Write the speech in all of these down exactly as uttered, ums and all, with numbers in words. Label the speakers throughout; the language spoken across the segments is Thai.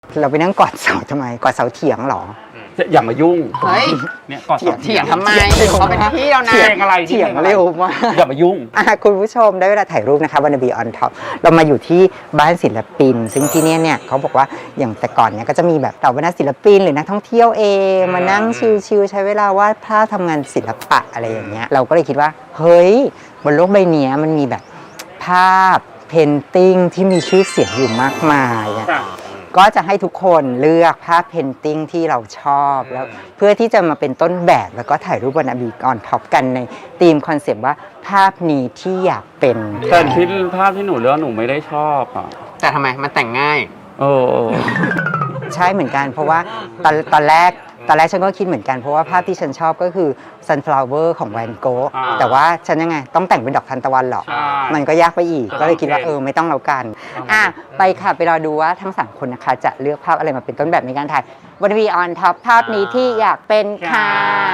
Speaker 1: เราไปนั่งกอดเสาทำไมกอดเสาเถียงหรอ
Speaker 2: อย่ามายุ่ง
Speaker 3: เฮ้ย
Speaker 2: เนี่ยกอดเสา
Speaker 3: เถียงทำไมเขาเป็นพี่แล้วนะ
Speaker 2: เถียงอะไร
Speaker 1: เถียงเร็วมาก
Speaker 2: อย่ามายุ่ง
Speaker 1: คุณผู้ชมได้เวลาถ่ายรูปนะคะวันบีออนท็อปเรามาอยู่ที่บ้านศิลปินซึ่งที่นี่เนี่ยเขาบอกว่าอย่างแต่ก่อนเนี่ยก็จะมีแบบเหล่าบรรดาศิลปินหรือนักท่องเที่ยวเองมานั่งชิลๆใช้เวลาวาดภาพทำงานศิลปะอะไรอย่างเงี้ยเราก็เลยคิดว่าเฮ้ยบนโลกใบนี้มันมีแบบภาพเพนติ้งที่มีชื่อเสียงอยู่มากมายก็จะให้ทุกคนเลือกภาพเพนติ้งที่เราชอบแล้วเพื่อที่จะมาเป็นต้นแบบแล้วก็ถ่ายรูปบนบีออนท็อปกันในธีมคอนเซปต์ว่าภาพนี้ที่อยากเป็น
Speaker 2: แต่ที่ภาพที่หนูเลือกหนูไม่ได้ชอบอ่ะ
Speaker 3: แต่ทำไมมันแต่งง่าย
Speaker 2: โอ้
Speaker 1: ใช่เหมือนกันเพราะว่าตอนตอนแรกตอนแรกฉันก็คิดเหมือนกันเพราะว่าภาพที่ฉันชอบก็คือ sunflower ของแวนโกะแต่ว่าฉันยังไงต้องแต่งเป็นดอกทานตะวันหรอมันก็ยากไปอีกก็เลยคิดว่าเออไม่ต้องแล้วกันอ่ะไปค่ะไปรอดูว่าทั้งสามคนนะคะจะเลือกภาพอะไรมาเป็นต้นแบบในการถ่ายวันวีออนท็อปภาพนี้ที่อยากเป็นค่ะ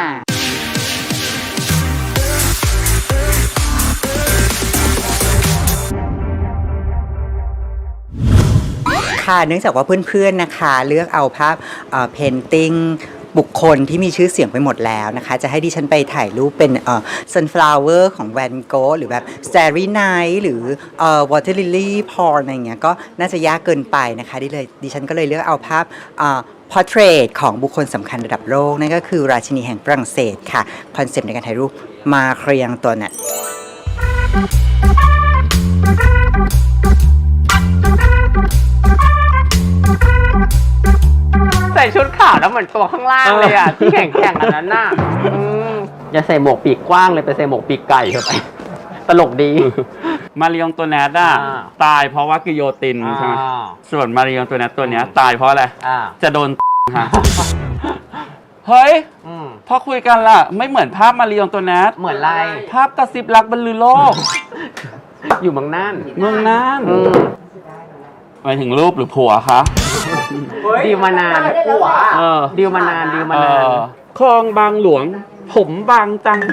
Speaker 1: ค่ะเนื่องจากว่าเพื่อนๆนะคะเลือกเอาภาพเพนติ้งบุคคลที่มีชื่อเสียงไปหมดแล้วนะคะจะให้ดิฉันไปถ่ายรูปเป็นเอ่อ sunflower ของแวนโกะหรือแบบ starry night หรือเอ่อ water lily pond อะไรอย่างเงี้ยก็น่าจะยากเกินไปนะคะดิเลยดิฉันก็เลยเลือกเอาภาพเอ่อ portrait ของบุคคลสำคัญระดับโลกนั่นก็คือราชินีแห่งฝรั่งเศสค่ะคอนเซปต์ในการถ่ายรูปมาเครียงตัวนั้น
Speaker 3: ใส่ชุดขาวแล้วเหมือนตัวข้างล่างเลยอ่ะที่แข่งๆอันนั้นน่ะอย่าใส่หมวกปีกกว้างเลยไปใส่หมวกปีกไก่เข้าไปตลกดี
Speaker 2: มาริองตัวแนทอ่ะตายเพราะว่ากิโยตินใช่ไหมส่วนมาริองตัวแนทตัวเนี้ยตายเพราะอะไรจะโดนฮะเฮ้ยพอคุยกันล่ะไม่เหมือนภาพมาริองตัวแนท
Speaker 3: เหมือนไร
Speaker 2: ภาพกระซิบรักบรรลือโลก
Speaker 3: อยู่เมืองน่าน
Speaker 2: เมืองน่านหมายถึงรูปหรือผัวคะ
Speaker 3: ดีมานานผัวดีมานานดีมานาน
Speaker 2: คลองบางหลวงผมบางจัง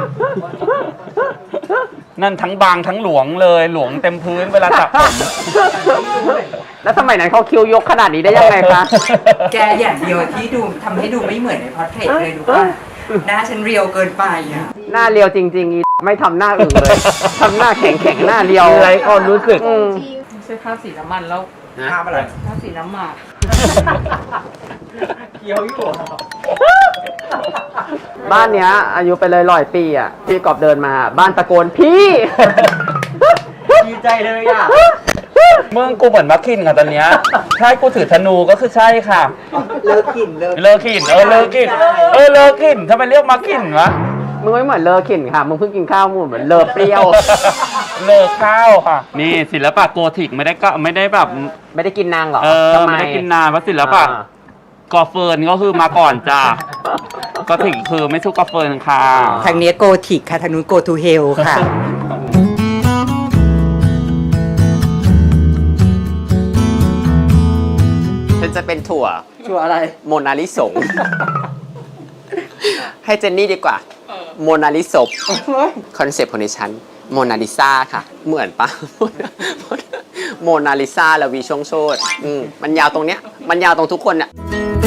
Speaker 2: นั่นทั้งบางทั้งหลวงเลยหลวงเต็มพื้นเวลาจับผม
Speaker 3: แล้วสมัยนั้นเขาคิวยกขนาดนี้ได้ยังไงคะ
Speaker 1: แกอย่างเดียวที่ดูทำให้ดูไม่เหมือนในพอร์เทรตเลยดูว่าหน้าฉันเรียวเกินไปอ่ะ
Speaker 3: หน้าเรียวจริงๆไม่ทำหน้าอื่นเลยทำหน้าแข็งๆหน้าเรียว
Speaker 2: ไรก็รู้สึก
Speaker 4: ใช้ภาพสีน้ำมันแล้ว
Speaker 2: ภาพอะไร
Speaker 4: ภาพสีน้ำหมาก
Speaker 2: เคี้ยวอยู่
Speaker 3: บ้านเนี้ยอายุไปเลยร้อยปีอ่ะพี่กอบเดินมาบ้านตะโกนพี่
Speaker 2: ดีใจเลยอ่ะเมืองกูเหมือนมักขินค่ะตอนเนี้ยใช่กูถือธนูก็คือใช่ค่ะ
Speaker 1: เลิกขินเลิก
Speaker 2: เลิกขินเออเลิกขินเออเลิกขินทำไมเรียกมักขินวะ
Speaker 3: มึงไม่เหมือนเลอขินค่ะมึงเพิ่งกินข้าวมึงเหมือนเลอเปรี้ยว
Speaker 2: เลอข้าวค่ะนี่ศิลปะโกธิกไม่ได้ก็ไม่ได้แบบ
Speaker 3: ไม่ได้กินนางหรอ
Speaker 2: เออไม่ได้กินนานเพราะศิลปะกอเฟิร์นก็คือมาก่อนจ้าก็ถึงคือไม่สู้กอเฟิร์นค่ะ
Speaker 1: ทางนี้โกธิกค่ะทางนู้นโกทูเฮลค่ะ
Speaker 3: ฉันจะเป็นถั่ว
Speaker 1: ถั่วอะไร
Speaker 3: โมนาลิสงให้เจนนี่ดีกว่าโมนาลิซบคอนเซปต์ของดิฉันโมนาลิซาค่ะเหมือนปะโมนาลิซาแล้ววีช่วงโชดมันยาวตรงเนี้ยมันยาวตรงทุกคนเนี่ย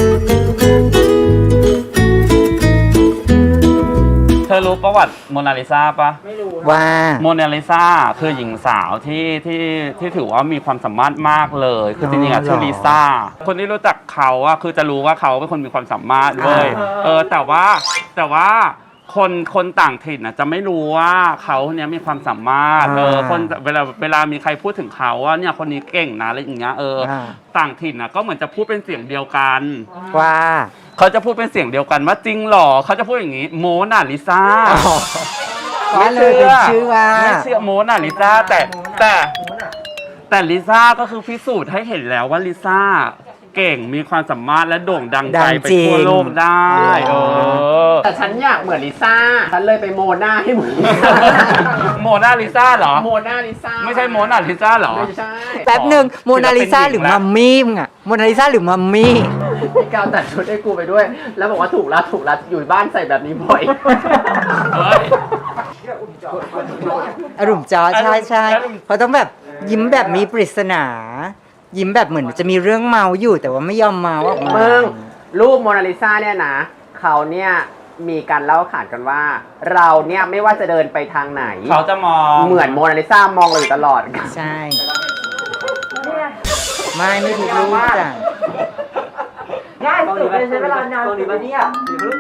Speaker 2: เธอรู้ประวัติโมนาลิซาปะ
Speaker 1: ไม่รู้ว่า
Speaker 2: โมนาลิซาคือหญิงสาวที่ที่ที่ถือว่ามีความสามารถมากเลยคือจริงๆอ่ะชื่อลิซ่าคนที่รู้จักเขาอ่ะคือจะรู้ว่าเขาเป็นคนมีความสามารถเลยเออแต่ว่าแต่ว่าคนคนต่างถิ่นอ่ะจะไม่รู้ว่าเขาเนี้ยมีความสามารถเออคนเวลาเวลามีใครพูดถึงเขาว่าเนี่ยคนนี้เก่งนะอะไรอย่างเงี้ยเออต่างถิ่นอ่ะก็เหมือนจะพูดเป็นเสียงเดียวกัน
Speaker 1: ว่า
Speaker 2: เขาจะพูดเป็นเสียงเดียวกันว่าจริงหรอเขาจะพูดอย่างนี้โมนาลิซา
Speaker 1: ไม่เชื่อชื่อว่า
Speaker 2: ไม่เชื่อโมนาลิซาแต่แต่แต่ลิซ่าก็คือพิสูจน์ให้เห็นแล้วว่าลิซ่าเก่งมีความสามารถและโด่งดังไกลไปทั่วโลกได้เออ
Speaker 3: แต่ฉันอยากเหมือนลิซ่าฉันเลยไปโมนาให้เหมือน
Speaker 2: โมนาลิซ่าเหรอ
Speaker 3: โมนาลิซ่า
Speaker 2: ไม่ใช่โมนาลิซ่าเหรอ
Speaker 3: ไม่ใช่
Speaker 1: แป๊บหนึ่งโมนาลิซ่าหรือมัมมี่มึงอะโมนาลิซ่าหรือมัมมี่
Speaker 3: พี่กาวตัดชุดให้กูไปด้วยแล้วบอกว่าถูกรัดถูกรัดอยู่บ้านใส่แบบนี้บ่อย
Speaker 1: อารมณ์จอใช่ใช่เพราะต้องแบบยิ้มแบบมีปริศนายิ้มแบบเหมือนจะมีเรื่องเมาอยู่แต่ว่าไม่ยอมเมาออกมา
Speaker 3: มึงรูปโมนาลิซาเนี่ยนะเขาเนี่ยมีการเล่าขานกันว่า เราเนี่ยไม่ว่าจะเดินไปทางไหน
Speaker 2: เขาจะมอง
Speaker 3: เหมือนโมนาลิซามองเราอยู่ตลอด
Speaker 1: ใช่ ไม่ไม่ถูกรูปจ้ะ
Speaker 5: ง่ายสุดเลยใช้เวลานานสุดเลยเนี่ย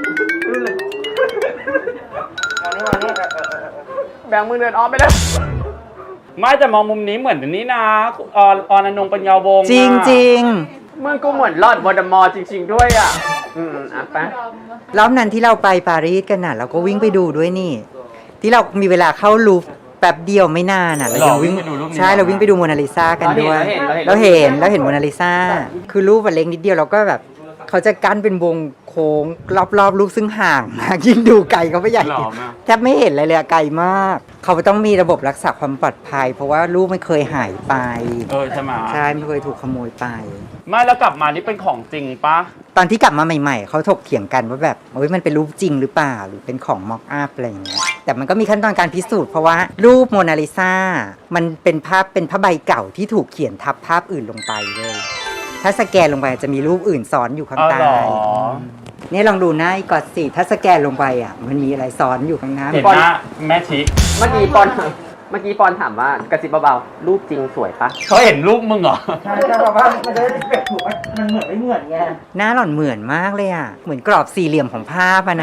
Speaker 3: แบงค์มึงเดินอ้อมไปเลย
Speaker 2: ไม่แต่มองมุมนี้เหมือนนี่นะออนออนอนงปัญญาวงศ์
Speaker 1: จริงจริง
Speaker 3: มึงกูเหมือนลอดวอร์ดมอร์จริง ๆ ด้วยอ่ะ อืมอ่ะไป
Speaker 1: รอบนั้นที่เราไปปารีสกันน่ะ เราก็วิ่งไปดูด้วยนี่ ที่เรามีเวลาเข้าลูฟแป๊บเดียวไม่นานน่ะเรายังวิ่ง
Speaker 2: ไปดูรูปนี้
Speaker 1: ใช่เราวิ่งไปดูโมนาลิซากันด้วย
Speaker 3: เรา
Speaker 1: เรา
Speaker 3: เห็
Speaker 1: เห็
Speaker 3: น
Speaker 1: น
Speaker 3: เรา
Speaker 1: เรา
Speaker 3: เห็
Speaker 1: เห็
Speaker 3: น
Speaker 1: นโมนาลิซาคือรูปมันเล็กนิดเดียวเราก็แบบเขาจะกั้นเป็นวงโค้งรอบๆรูปซึ่งห่างมากยิ่งดูไกลเขาไม่ใหญ่
Speaker 2: หล่อมาก
Speaker 1: แทบไม่เห็นอะไรเลยอะไกลมาก เขาต้องมีระบบรักษาความปลอดภัย เพราะว่ารูปไม่เคยหายไป
Speaker 2: เออใช่ไหม
Speaker 1: ใช่ไม่เคยถูกขโมยไป
Speaker 2: ไม่แล้วกลับมานี่เป็นของจริงปะ
Speaker 1: ตอนที่กลับมาใหม่ๆ เขาถกเถียงกันว่าแบบโอ้ยมันเป็นรูปจริงหรือเปล่า หรือเป็นของม็อกอัพอะไรอย่างเงี้ยแต่มันก็มีขั้นตอนการพิสูจน์เพราะว่ารูปโมนาลิซามันเป็นภาพเป็นผ้าใบเก่าที่ถูกเขียนทับภาพอื่นลงไปเลย ถ้าสแกนลงไปจะมีรูปอื่นซ้อนอยู่ข้าง
Speaker 2: อ๋อ
Speaker 1: ใต้
Speaker 2: เหรอ
Speaker 1: เนี่ยลองดูหน้าอีกอดสิถ้าสแกนลงไปอ่ะมันมีอะไรซ้อนอยู่ข้างหน้า
Speaker 2: เห็นหน้าแม่ชิ
Speaker 3: เมื่อกี้ปอน เมื่อกี้ปอนถามว่ากระซิบเบาๆ รูปจริงสวยปะ
Speaker 2: เขาเห็นรูปมึงเหรอ
Speaker 5: ใช่แต่แบบว่ามันจะได้แบบถูกว่ามันเหมือนไม่เหมือนไง
Speaker 1: หน้าหล่อนเหมือนมากเลยอ่ะเหมือนกรอบสี่เหลี่ยมของภาพอะนะ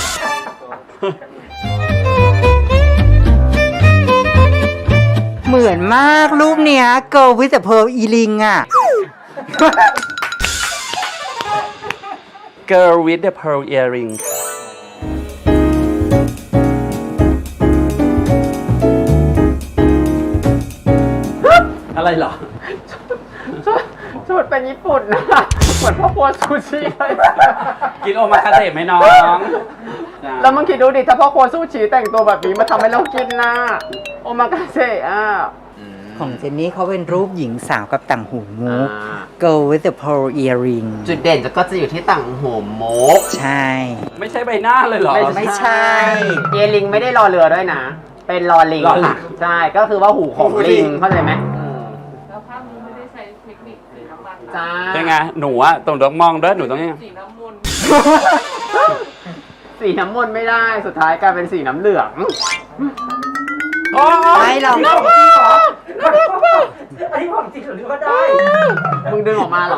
Speaker 1: เหมือนมากรูปเนี้ย Girl with the Pearl Earring อ่ะ
Speaker 2: Girl with the pearl earring อะไรเหรอ
Speaker 3: ชุดเป็นญี่ปุ่นนะ เหมือนพ่อครัวซูชิเลย
Speaker 2: กินโอมาคาเตะไหมน้อง
Speaker 3: แล้วมึงคิดดูดิ ถ้าพ่อครัวซูชิแต่งตัวแบบนี้มาทำให้เรากินนะโอมากาเสะอ่ะ
Speaker 1: ของเจนนี่เขาเป็นรูปหญิงสาวกับต่างหูมุก
Speaker 3: อ่า
Speaker 1: Girl with the Pearl Earring
Speaker 3: จุดเด่นจะก็จะอยู่ที่ต่างหัวโมก
Speaker 1: ใช่
Speaker 2: ไม่ใช่ใบหน้าเลยเหรอ
Speaker 1: ไม่ใช่
Speaker 3: เยลิงไม่ได้รอเรือด้วยนะ เป็นรอลิง
Speaker 2: รอลิง
Speaker 3: ใช่ ก็คือว่าหูของลิง เข้าใจไหม
Speaker 4: แล้วภาพนี้ไม่ได้ใช้เทคนิคสีน้ำมันนะ
Speaker 3: ใช่
Speaker 2: เป็นไง หนูอะต้องต้องมองด้วยหนูต้องยังไง
Speaker 4: สีน้ำมนต์
Speaker 3: สีน้ำมนต์ไม่ได้ สุดท้ายกลายเป็นสีน้ำเหลือง
Speaker 2: โอ้
Speaker 1: ไม่เรา
Speaker 5: จริงเหรออันนี้ของจริงหรือว่าได้
Speaker 3: มึงดึงออกมาเหรอ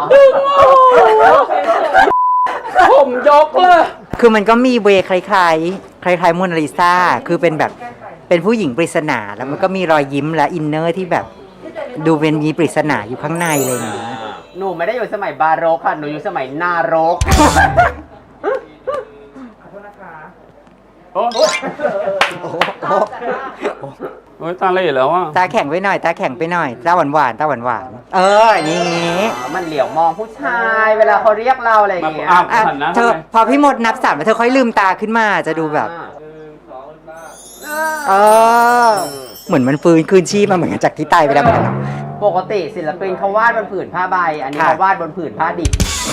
Speaker 2: ผมยกเลย
Speaker 1: คือมันก็มีเวย์คล้ายๆ คล้ายๆโมนาลิซาคือเป็นแบบเป็นผู้หญิงปริศนาแล้วมันก็มีรอยยิ้มและอินเนอร์ที่แบบ ดูเป็นมีปริศนาอยู่ข้างในอะไรอย่างเงี้ย
Speaker 3: หนูไม่ได้อยู่สมัยบาโรกค่ะ หนูอยู่สมัยนารก
Speaker 2: โอ้โอ้ยตาเหล่แล้วอ่ะ
Speaker 1: ตาแข็งไปหน่อยตาแข็งไปหน่อยตาหวานหวานๆตาหวานหวานๆเอออย่างงี้
Speaker 3: อ๋อมันเหลียวมองผู้ชาย เวลาเขาเรียกเราอะไรอย่างเงี้ย
Speaker 2: อ้าว
Speaker 1: อ่ะ
Speaker 2: หันหน้า
Speaker 1: เธอ
Speaker 2: ทำไม
Speaker 1: พอพี่มดนับสามแล้วเธอค่อยลืมตาขึ้นมาจะดูแบบเออเหมือนมันฟื้นคืนชีพมาเหมือนกันจากที่ตายไปแล้วเหมือนกันเนาะ
Speaker 3: ปกติศิลปินเขาวาดบนผืนผ้าใบ อันนี้
Speaker 1: ค่ะ
Speaker 3: เขาวาดบนผืนผ้าดิบ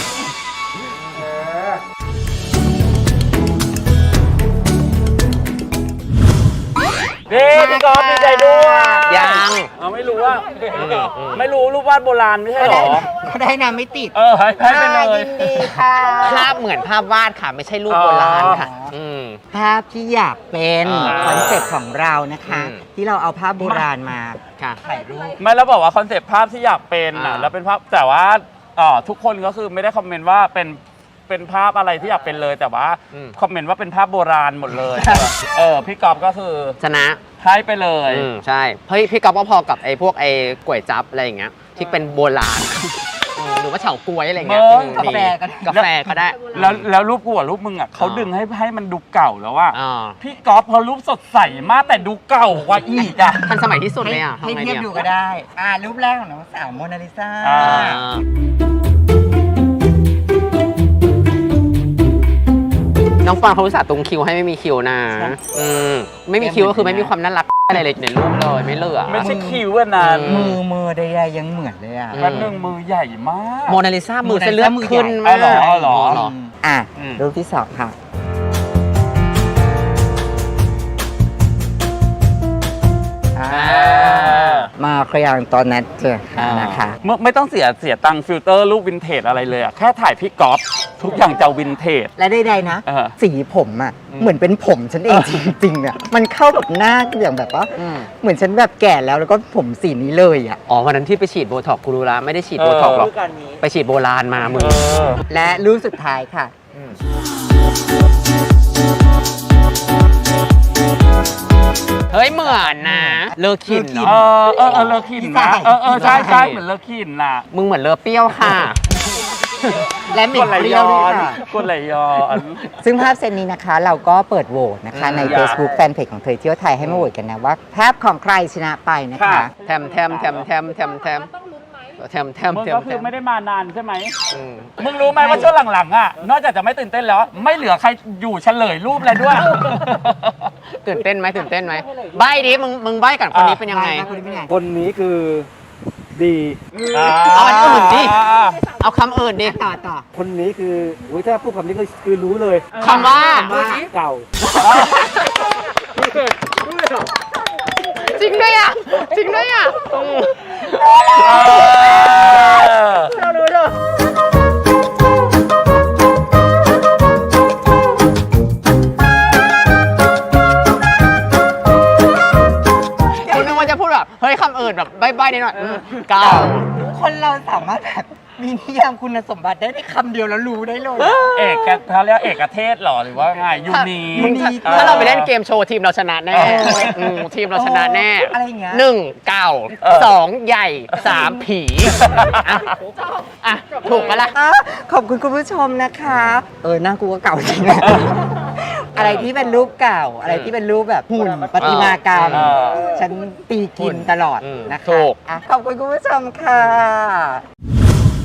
Speaker 2: เด้พี่กอล์ฟดีใจด้วย
Speaker 3: ยัง
Speaker 2: เอาไม่รู้ว่า ไม่รู้รูปวาดโบราณไม่ใช่เหรอ
Speaker 1: ก็ได้นะไม่ติด
Speaker 2: เออให้ให้ไปเลย
Speaker 1: ยินดีค่ะ
Speaker 3: ภาพเหมือนภาพวาดค่ะ ไม่ใช่รูปโบราณค่ะ อืม
Speaker 1: ภาพที่อยากเป็น
Speaker 3: อ่า
Speaker 1: คอนเซ็ปต์ของเรานะคะ
Speaker 3: อืม
Speaker 1: ที่เราเอาภาพโบราณมา
Speaker 3: ค่ะ
Speaker 1: ถ่ายรูป
Speaker 2: ไม่แล้วบอกว่าคอนเซปต์ภาพที่อยากเป็นอ่ะ
Speaker 3: อ่า
Speaker 2: แล้วเป็นภาพแต่ว่าอ่าทุกคนก็คือไม่ได้คอมเมนต์ว่าเป็นเป็นภาพอะไรที่อยากเป็นเลย แต่ว่าคอมเมนต์ว่าเป็นภาพโบราณหมดเลย เออพี่กอล์ฟก็คือ
Speaker 3: ชนะ
Speaker 2: ให้ไปเลย
Speaker 3: อืมใช่ เฮ้ย พี่ก๊อฟก็พอกับไอ้พวกไอ้ก๋วยจั๊บอะไรอย่างเงี้ย ที่เป็นโบราณ อืมหรือว่าเฉาก๊วยอะไรเงี้ย
Speaker 2: เบิ้ง
Speaker 3: อืม
Speaker 1: กาแฟก็ได้
Speaker 3: กาแฟก็ได้
Speaker 2: แล้วแล้วรูปกูกับรูปมึงอ่ะเขาดึงให้ให้มันดูเก่าแล้วว่า
Speaker 3: อ่า
Speaker 2: พี่กอล์ฟพอรูปสดใสมากแต่ดูเก่ากว่าอีกอ่ะ
Speaker 3: ทันสมัยที่สุดเลยอ่ะ
Speaker 1: ให้
Speaker 3: ทำไง
Speaker 1: เทียบ
Speaker 3: นี่
Speaker 1: ดูก็ได้ อ่ารูปแรกของน้องสาวโมนาลิซา
Speaker 2: อ่า
Speaker 3: อ่าน้องฟางเขาอุตส่าห์ตรงคิวให้ไม่มีคิวนะอืมไม่มีคิวก็คือไม่มีความน่ารักอะไรเลยในรูปเลยไม่เหลือ
Speaker 2: ไม่ใช่คิวอันนั้น
Speaker 3: อื
Speaker 1: มือมือใดๆยังเหมือนเลยอ่ะ
Speaker 3: อื
Speaker 2: แป๊บนึงมือใหญ่มาก
Speaker 3: โมนาลิซามือเส้นเลือดขึ้น
Speaker 2: อ๋
Speaker 3: มา
Speaker 2: อเหรออ๋อเหรอ
Speaker 3: เหรอ
Speaker 1: อ่ะ
Speaker 2: อืม
Speaker 1: รูปที่สองค่ะ อ่า
Speaker 3: อ่า
Speaker 1: มาครยางตอนนั้นเจอนะคะ
Speaker 2: ไม่ไม่ต้องเสียเสียตังค์ฟิลเตอร์รูปวินเทจอะไรเลยอะแค่ถ่ายพี่ก๊อฟทุกอย่างจะวินเทจ
Speaker 1: และใดๆนะ
Speaker 2: เออ
Speaker 1: สีผมอ่ะเหมือนเป็นผมฉันเองจริงๆเนี่ยมันเข้ากับหน้าอย่างแบบว่า
Speaker 3: อืม
Speaker 1: เหมือนฉันแบบแก่แล้วแล้วก็ผมสีนี้เลยอ่ะ
Speaker 3: อ๋อวันนั้นที่ไปฉีดโบท็อกซ์กูรู้ละไม่ได้ฉีดโบท็อกซ์หรอก ไปฉีดโบราณมามึง
Speaker 1: และรูปสุดท้ายค่ะ
Speaker 3: เฮ้ยเหมือนนะ เลอขิน
Speaker 2: เอ
Speaker 3: เนาะ
Speaker 2: อเออเออเลอขินนะเออเออใช่ใช่เหมือนเลอขินน่ะ
Speaker 3: มึงเหมือนเลอเปรี้ยวค่ะ
Speaker 1: และหมิ่นเปรี้ยวด้วยค่ะ
Speaker 2: กดไหลย้อน
Speaker 1: ซึ่งภาพเซตนี้นะคะเราก็เปิดโหวตนะคะ ใน
Speaker 2: อืม
Speaker 1: Facebook แฟนเพจของเธอเที่ยวไทยให้มาโหวตกันนะว่าภาพของใครชนะไปนะคะ
Speaker 2: ค่ะ
Speaker 3: แทมแทมแทมแทมแทมแทมแทมแทม
Speaker 2: มึง
Speaker 3: แทม
Speaker 2: ก็
Speaker 3: แท
Speaker 2: คือ
Speaker 3: ม
Speaker 2: ไม่ได้มานานใช่ไหม
Speaker 3: อืม
Speaker 2: มึงรู้ไหมว่าช่วงหลังๆอ่ะ นอกจากจะไม่ตื่นเต้นแล้ว ไม่เหลือใครอยู่เฉลยรูปเลยด้วย
Speaker 3: ตื่นเต้นไหมตื่นเต้นไหมใบ้ดิมึงมึงใบ้ก่อนคนนี้เป็นยังไง
Speaker 1: คนนี้เป็นไง
Speaker 5: คนนี้คือดี
Speaker 3: เอาอันอื่นดิ เอาคำอื่นดิ
Speaker 1: ต่อต่อ
Speaker 5: คนนี้คืออุ้ยถ้าพูดคำนี้ก็คือรู้เลย
Speaker 3: คำว่า
Speaker 5: เก่า
Speaker 3: จริงด้วยอ่ะ จริงด้วยอ่ะอืม กูนึกว่าจะพูดแบบ เฮ้ยคำอื่นแบบใบ้ๆนิดหน่อยอืมเก่า
Speaker 1: คนเราสามารถแบบมีนิยามคุณสมบัติได้ในคำเดียวแล้วรู้ได้เลย
Speaker 2: เอกกันเขาเรียกเอกเทศเหรอหรือว่าไงยูนี
Speaker 3: มึงถ้าถ้าเราไปเล่นเกมโชว์ทีมเราชนะแน่
Speaker 1: เออ
Speaker 3: อืมทีมเราชนะแน่
Speaker 1: อะไรอย่างเงี้ย
Speaker 3: หนึ่งเก่าสองใหญ่สามผีอ่ะอ่ะถูกปะล่ะ
Speaker 1: อ่ะขอบคุณคุณผู้ชมนะคะ เออหน้ากูก็เก่าจริงนะอะไรที่เป็นรูปเก่า อะไรที่เป็นรูปแบบหุ่นประติมากรรม
Speaker 2: เออ
Speaker 1: ฉันตีกินตลอด
Speaker 3: อืม
Speaker 1: นะคะ
Speaker 3: ถูก
Speaker 1: อ่ะขอบคุณคุณผู้ชมค่ะ